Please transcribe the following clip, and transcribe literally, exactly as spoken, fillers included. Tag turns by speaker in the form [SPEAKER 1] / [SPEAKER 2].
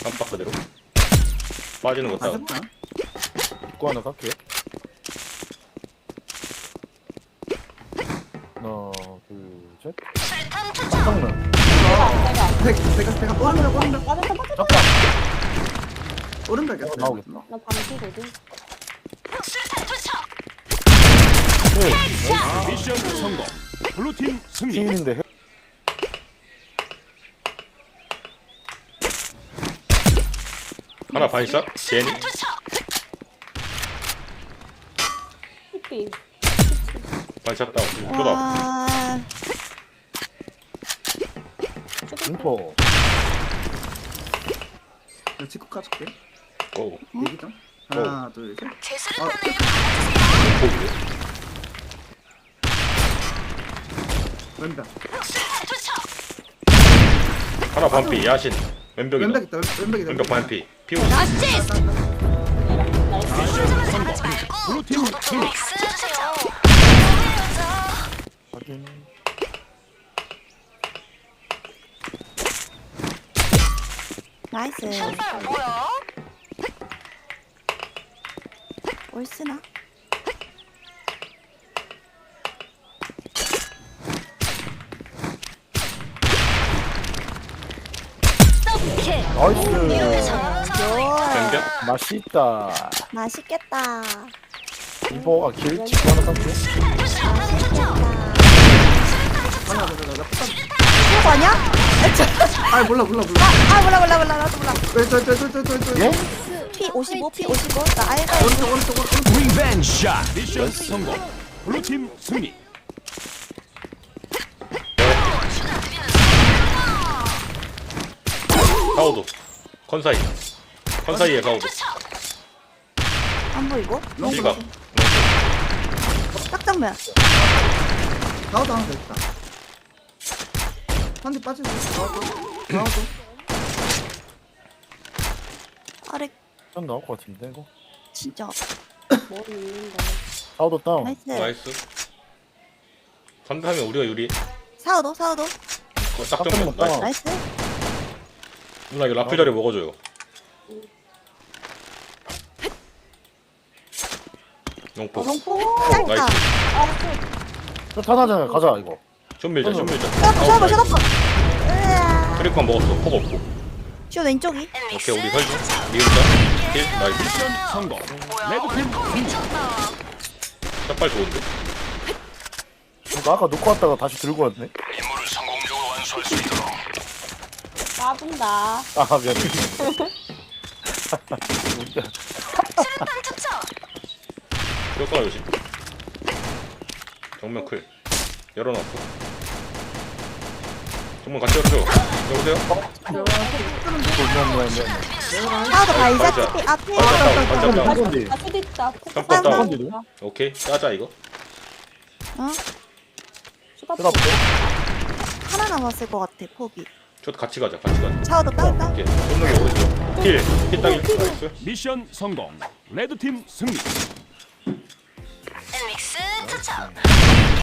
[SPEAKER 1] 깜빡 그대로 빠지는 거 따고
[SPEAKER 2] 맞았다.
[SPEAKER 3] 입구 하나 갈게. 하나, 둘, 셋. 깜짝나.
[SPEAKER 2] 내가 내가 내가 오른발 오른발
[SPEAKER 4] 맞았다 맞았다.
[SPEAKER 3] 잠깐.
[SPEAKER 2] 오른발
[SPEAKER 3] 어,
[SPEAKER 2] 겼어.
[SPEAKER 3] 나오겠다.
[SPEAKER 4] 나 반피거든.
[SPEAKER 3] 네.
[SPEAKER 5] 미션 성공. 블루팀 승리.
[SPEAKER 3] 팀인데.
[SPEAKER 1] 하나 반샷 제니
[SPEAKER 4] 피피.
[SPEAKER 1] 반샷 다운 쏟아
[SPEAKER 6] 와,
[SPEAKER 3] 인포.
[SPEAKER 2] 나 직구 까줄게.
[SPEAKER 1] 고
[SPEAKER 2] 얘기 좀. 하나 둘 셋. 아,
[SPEAKER 1] 고기래
[SPEAKER 2] 왼발.
[SPEAKER 1] 하나 반피 야신 왼벽이다
[SPEAKER 2] 왼발 있다. 왼발 있다.
[SPEAKER 1] 왼벽 반피 피우
[SPEAKER 4] 나이스.
[SPEAKER 5] 미션 성공. 블루팀 승리.
[SPEAKER 3] 확인.
[SPEAKER 6] 나이스. 올스나?
[SPEAKER 3] 나이스.
[SPEAKER 1] 왼벽
[SPEAKER 3] 맛있다.
[SPEAKER 6] 맛있겠다.
[SPEAKER 3] 인포가 길 찍고 하나 갈게.
[SPEAKER 6] 맛있겠다.
[SPEAKER 2] 하나 둘 셋. 나 폭탄.
[SPEAKER 6] 이거 아니야?
[SPEAKER 2] 아 몰라 몰라 몰라.
[SPEAKER 6] 아, 몰라, 몰라, 몰라. 나도 몰라.
[SPEAKER 2] 왼쪽왼쪽왼쪽왼쪽
[SPEAKER 3] 예?
[SPEAKER 6] 피 오십오, 피 오십오. 나 알가.
[SPEAKER 2] 오른쪽 오른쪽 오른쪽.
[SPEAKER 5] 리벤지 샷. 미션 성공. 블루팀 승리.
[SPEAKER 1] 사우도 컨사이 컨사이에 사우도
[SPEAKER 6] 안 보이고?
[SPEAKER 1] 실각
[SPEAKER 6] 짝짝면.
[SPEAKER 2] 나도 하나 더 있다. 한 대 빠지고. 나도 나도.
[SPEAKER 6] 아래,
[SPEAKER 3] 좀 나올 것 같은데 이거.
[SPEAKER 6] 진짜.
[SPEAKER 4] 머리 있는데.
[SPEAKER 3] 사우도 다운.
[SPEAKER 6] 나이스.
[SPEAKER 1] 나이스 상대하면 우리가 유리
[SPEAKER 6] 사우도, 사우도.
[SPEAKER 1] 어, 딱
[SPEAKER 3] 깜짝
[SPEAKER 1] 정면
[SPEAKER 3] 놀랐다.
[SPEAKER 1] 나이스
[SPEAKER 6] 나이스.
[SPEAKER 1] 누나 이거 라플 자리 먹어줘요 용포
[SPEAKER 6] 롱포.
[SPEAKER 1] 나이스
[SPEAKER 6] 짧다.
[SPEAKER 3] 저 타나잖아. 가자 이거.
[SPEAKER 1] 좀 밀자 좀 밀자
[SPEAKER 6] 셔다포, 셔다포, 셔다포. 으아.
[SPEAKER 1] 크리커 먹었어 폭 없고
[SPEAKER 6] 슈 왼쪽이.
[SPEAKER 1] 오케이 우리 설중 리은자 힐 나이스
[SPEAKER 5] 미션 성공. 레드팀 승리.
[SPEAKER 1] 샷발 좋은데
[SPEAKER 3] 그러니까 아까 놓고 왔다가 다시 들고 왔네.
[SPEAKER 4] 까분다.
[SPEAKER 3] 아 미안해.
[SPEAKER 1] 뼈가 조심 정면 클 열어놨어 정면 같이 열어줘 여보세요?
[SPEAKER 3] 미안 미안 미안.
[SPEAKER 6] 사우도 발자
[SPEAKER 1] 발자.
[SPEAKER 6] 피 앞에.
[SPEAKER 1] 반짝 다운 반짝 다운
[SPEAKER 3] 이건데.
[SPEAKER 4] 아 수도 있다.
[SPEAKER 1] 깜빡 다운
[SPEAKER 3] 이건데.
[SPEAKER 1] 오케이 짜자 이거
[SPEAKER 6] 어?
[SPEAKER 4] 수갑.
[SPEAKER 3] 뜯어볼게.
[SPEAKER 6] 하나 남았을 것 같아, 폭이.
[SPEAKER 1] 저도 같이 가자 같이 가자
[SPEAKER 6] 사우도 다운, 다운.
[SPEAKER 1] 오케이 손목이 오른쪽 힐힐 따기 나이스
[SPEAKER 5] 미션 성공. 레드팀 승리.